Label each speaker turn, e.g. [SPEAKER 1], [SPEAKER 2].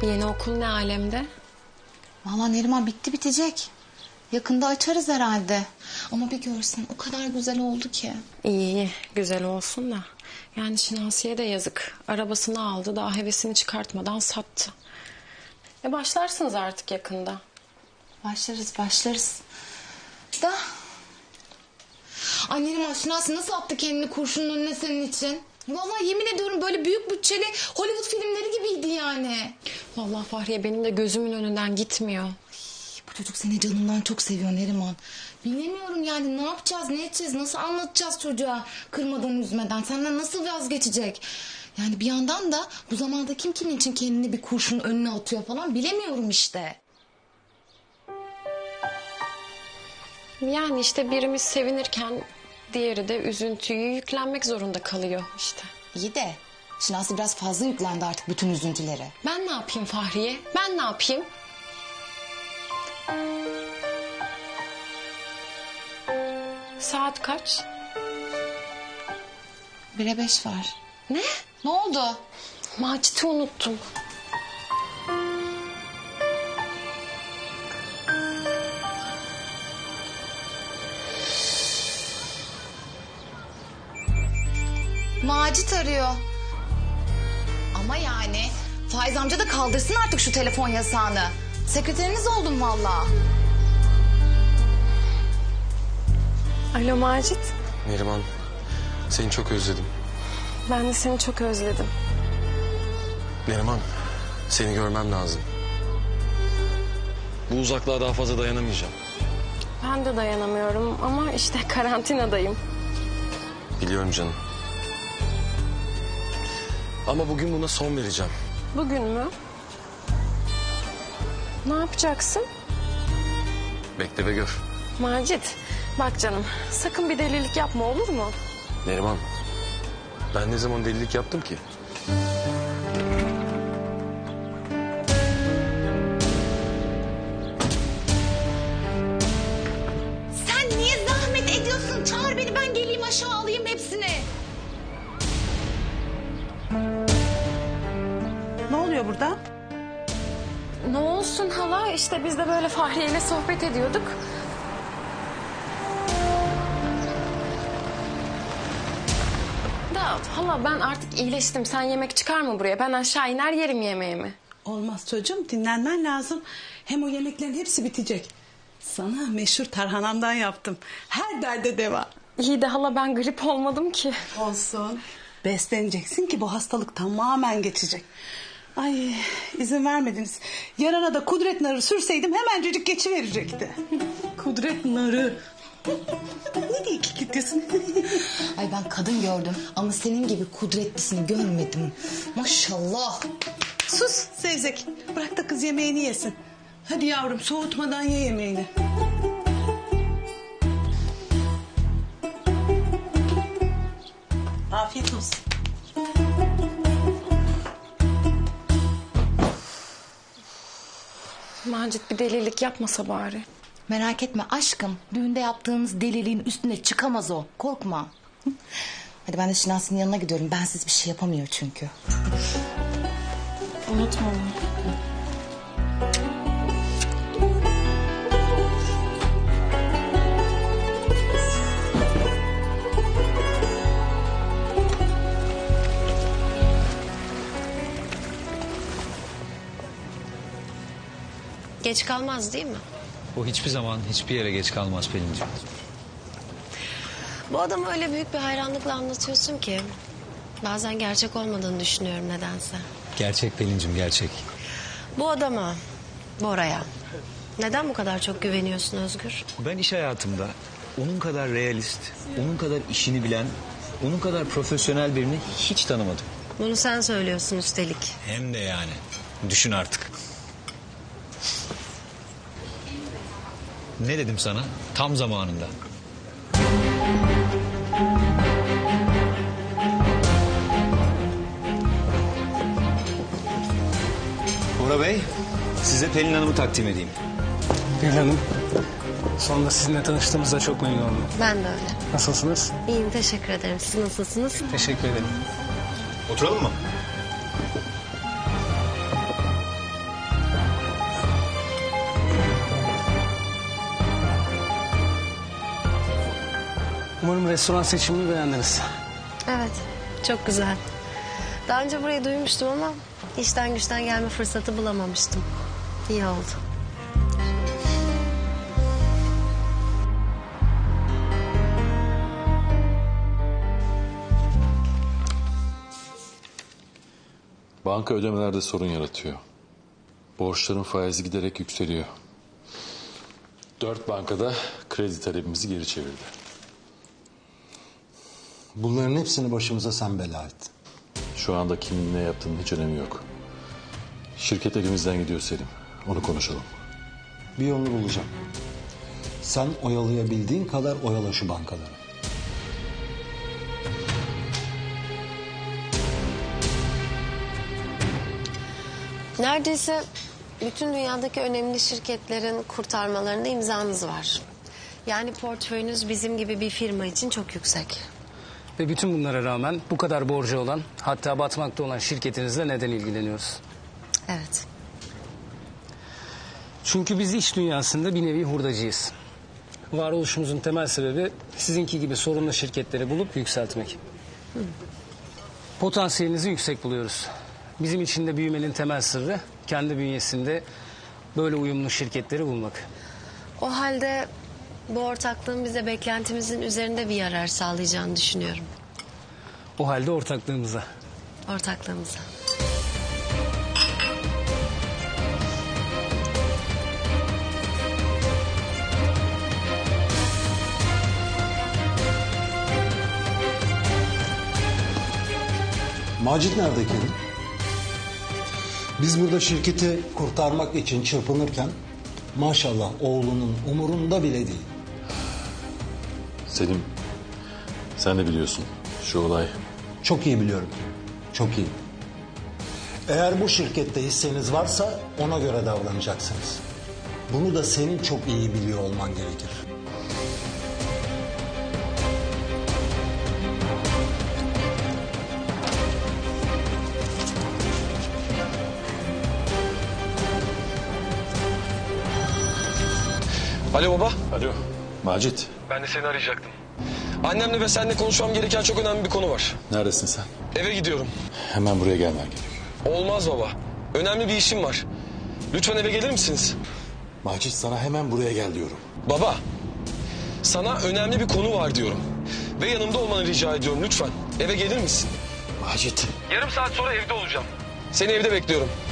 [SPEAKER 1] Yeni okul ne alemde?
[SPEAKER 2] Vallahi Neriman bitti bitecek. Yakında açarız herhalde. Ama bir görsen o kadar güzel oldu ki.
[SPEAKER 1] İyi, güzel olsun da. Yani Şinasi'ye de yazık. Arabasını aldı, daha hevesini çıkartmadan sattı. Başlarsınız artık yakında.
[SPEAKER 2] Başlarız. Da... Ay Neriman, Şinasi nasıl attı kendini kurşunun önüne senin için? Vallahi yemin ediyorum böyle büyük bütçeli Hollywood filmleri gibiydi yani.
[SPEAKER 1] Vallahi Fahriye benim de gözümün önünden gitmiyor.
[SPEAKER 2] Bu çocuk seni canından çok seviyor Neriman. Bilemiyorum yani, ne yapacağız, ne edeceğiz, nasıl anlatacağız çocuğa kırmadan üzmeden, senden nasıl vazgeçecek? Yani bir yandan da bu zamanda kim kimin için kendini bir kurşun önüne atıyor falan bilemiyorum işte.
[SPEAKER 1] Yani işte birimiz sevinirken diğeri de üzüntüyü yüklenmek zorunda kalıyor işte.
[SPEAKER 2] İyi de Şinasi biraz fazla yüklendi artık bütün üzüntülere.
[SPEAKER 1] Ben ne yapayım Fahriye? Ben ne yapayım? Saat kaç?
[SPEAKER 2] 1'e 5 var.
[SPEAKER 1] Ne?
[SPEAKER 2] Ne oldu?
[SPEAKER 1] Macit'i unuttum.
[SPEAKER 2] Macit arıyor. Ama yani Faiz amca da kaldırsın artık şu telefon yasağını. Sekreteriniz oldum vallahi.
[SPEAKER 1] Alo Macit.
[SPEAKER 3] Neriman, seni çok özledim.
[SPEAKER 1] Ben de seni çok özledim.
[SPEAKER 3] Neriman, seni görmem lazım. Bu uzaklığa daha fazla dayanamayacağım.
[SPEAKER 1] Ben de dayanamıyorum ama işte karantinadayım.
[SPEAKER 3] Biliyorum canım. Ama bugün buna son vereceğim.
[SPEAKER 1] Bugün mü? Ne yapacaksın?
[SPEAKER 3] Bekle ve gör.
[SPEAKER 1] Macit, bak canım, sakın bir delilik yapma, olur mu?
[SPEAKER 3] Neriman, ben ne zaman delilik yaptım ki?
[SPEAKER 2] Sen niye zahmet ediyorsun? Çağır beni, ben geleyim aşağı alayım hepsini.
[SPEAKER 4] Ne oluyor burada?
[SPEAKER 1] Ne olsun hala, işte biz de böyle Fahriye ile sohbet ediyorduk. Da hala ben artık iyileştim, sen yemek çıkarma buraya, ben aşağı iner yerim yemeğimi.
[SPEAKER 4] Olmaz çocuğum, dinlenmen lazım. Hem o yemeklerin hepsi bitecek. Sana meşhur tarhanamdan yaptım. Her derde deva.
[SPEAKER 1] İyi de hala ben grip olmadım ki.
[SPEAKER 4] Olsun. Besleneceksin ki bu hastalık tamamen geçecek. Ay, izin vermediniz. Yarana da kudret narı sürseydim hemencecik geçiverecekti. Kudret narı. Ne diye kikirtiyorsun?
[SPEAKER 2] Ay ben kadın gördüm ama senin gibi kudretlisini görmedim. Maşallah.
[SPEAKER 4] Sus Sevzek. Bırak da kız yemeğini yesin. Hadi yavrum, soğutmadan ye yemeğini. Afiyet olsun.
[SPEAKER 1] Macit bir delilik yapmasa bari.
[SPEAKER 2] Merak etme aşkım. Düğünde yaptığınız deliliğin üstüne çıkamaz o. Korkma. Hadi ben de Şinasi'nin yanına gidiyorum. Bensiz bir şey yapamıyor çünkü.
[SPEAKER 1] Unutma onu.
[SPEAKER 5] Geç kalmaz değil mi?
[SPEAKER 6] O hiçbir zaman hiçbir yere geç kalmaz Pelin'ciğim.
[SPEAKER 5] Bu adamı öyle büyük bir hayranlıkla anlatıyorsun ki... bazen gerçek olmadığını düşünüyorum nedense.
[SPEAKER 6] Gerçek Pelin'ciğim, gerçek.
[SPEAKER 5] Bu adama, Bora'ya neden bu kadar çok güveniyorsun Özgür?
[SPEAKER 6] Ben iş hayatımda onun kadar realist, onun kadar işini bilen, onun kadar profesyonel birini hiç tanımadım.
[SPEAKER 5] Bunu sen söylüyorsun üstelik.
[SPEAKER 6] Hem de yani. Düşün artık. Ne dedim sana? Tam zamanında. Bora Bey, size Pelin Hanım'ı takdim edeyim.
[SPEAKER 7] Pelin Hanım, sonunda sizinle tanıştığımızda çok memnun oldum.
[SPEAKER 5] Ben de öyle.
[SPEAKER 7] Nasılsınız?
[SPEAKER 5] İyiyim, teşekkür ederim. Siz nasılsınız?
[SPEAKER 7] Teşekkür ederim.
[SPEAKER 6] Oturalım mı?
[SPEAKER 7] Sanırım restoran seçimini beğendiniz.
[SPEAKER 5] Evet, çok güzel. Daha önce burayı duymuştum ama işten güçten gelme fırsatı bulamamıştım. İyi oldu.
[SPEAKER 8] Banka ödemelerde sorun yaratıyor. Borçların faizi giderek yükseliyor. 4 bankada kredi talebimizi geri çevirdi.
[SPEAKER 9] Bunların hepsini başımıza sen bela ettin.
[SPEAKER 8] Şu anda kimin ne yaptığının hiç önemi yok. Şirket elimizden gidiyor Selim. Onu konuşalım.
[SPEAKER 9] Bir yolunu bulacağım. Sen oyalayabildiğin kadar oyala şu bankaları.
[SPEAKER 5] Neredeyse bütün dünyadaki önemli şirketlerin kurtarmalarında imzanız var. Yani portföyünüz bizim gibi bir firma için çok yüksek.
[SPEAKER 7] Ve bütün bunlara rağmen bu kadar borcu olan, hatta batmakta olan şirketinizle neden ilgileniyoruz?
[SPEAKER 5] Evet.
[SPEAKER 7] Çünkü biz iş dünyasında bir nevi hurdacıyız. Varoluşumuzun temel sebebi sizinki gibi sorunlu şirketleri bulup yükseltmek. Potansiyelinizi yüksek buluyoruz. Bizim için de büyümenin temel sırrı kendi bünyesinde böyle uyumlu şirketleri bulmak.
[SPEAKER 5] O halde bu ortaklığın bize beklentimizin üzerinde bir yarar sağlayacağını düşünüyorum.
[SPEAKER 7] O halde ortaklığımıza.
[SPEAKER 5] Ortaklığımıza.
[SPEAKER 9] Macit nerede Kerim? Biz burada şirketi kurtarmak için çırpınırken maşallah oğlunun umurunda bile değil.
[SPEAKER 8] Selim, sen de biliyorsun şu olay.
[SPEAKER 9] Çok iyi biliyorum. Çok iyi. Eğer bu şirkette hisseniz varsa ona göre davranacaksınız. Bunu da senin çok iyi biliyor olman gerekir.
[SPEAKER 10] Alo baba.
[SPEAKER 8] Alo, Macit.
[SPEAKER 10] Ben de seni arayacaktım. Annemle ve seninle konuşmam gereken çok önemli bir konu var.
[SPEAKER 8] Neredesin sen?
[SPEAKER 10] Eve gidiyorum.
[SPEAKER 8] Hemen buraya gelmen gerekiyor.
[SPEAKER 10] Olmaz baba. Önemli bir işim var. Lütfen eve gelir misiniz?
[SPEAKER 8] Macit, sana hemen buraya gel diyorum.
[SPEAKER 10] Baba. Sana önemli bir konu var diyorum. Ve yanımda olmanı rica ediyorum lütfen. Eve gelir misin?
[SPEAKER 8] Macit.
[SPEAKER 10] Yarım saat sonra evde olacağım. Seni evde bekliyorum.